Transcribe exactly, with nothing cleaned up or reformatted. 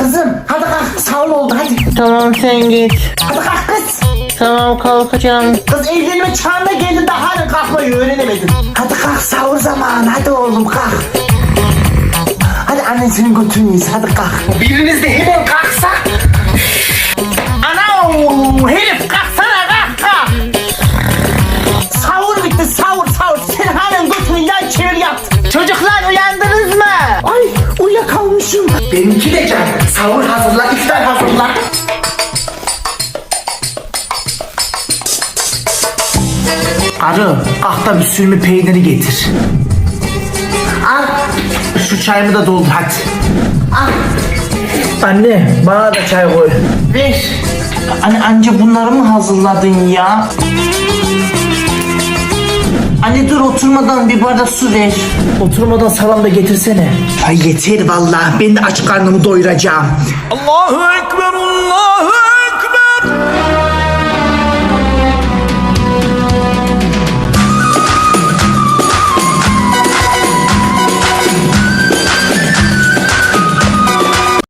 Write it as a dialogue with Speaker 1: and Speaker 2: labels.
Speaker 1: Kızım hadi kalk, sağ ol oldu hadi.
Speaker 2: Tamam sen git.
Speaker 1: Hadi kalk kız.
Speaker 2: Tamam kalkacağım.
Speaker 1: Kız evlenme çağına geldin de halen kalkmayı öğrenemedin. Hadi kalk, sahur zamanı, hadi oğlum kalk. Hadi annen senin götürmeyiz, hadi kalk. Biriniz de hemen kalksa. Ana herif kalksana, kalk kalk. Sahur bitti, sahur sahur. Sen halen götürün yan çevir yat.
Speaker 2: Çocuklar uyandınız mı?
Speaker 1: Ay uyuyakalmışım. Benimki de can. Sahur hazırla, iftar hazırla. Arı, akta bir sürme peyniri getir. Al. Şu çayımı da doldur hadi. Al. Anne, bana da çay koy. Ver. Anne anca bunları mı hazırladın ya? Anne dur, oturmadan bir bardak su ver. Oturmadan salam da getirsene. Ay yeter vallahi, ben de aç karnımı doyuracağım.
Speaker 3: Allahu Ekber, Allahu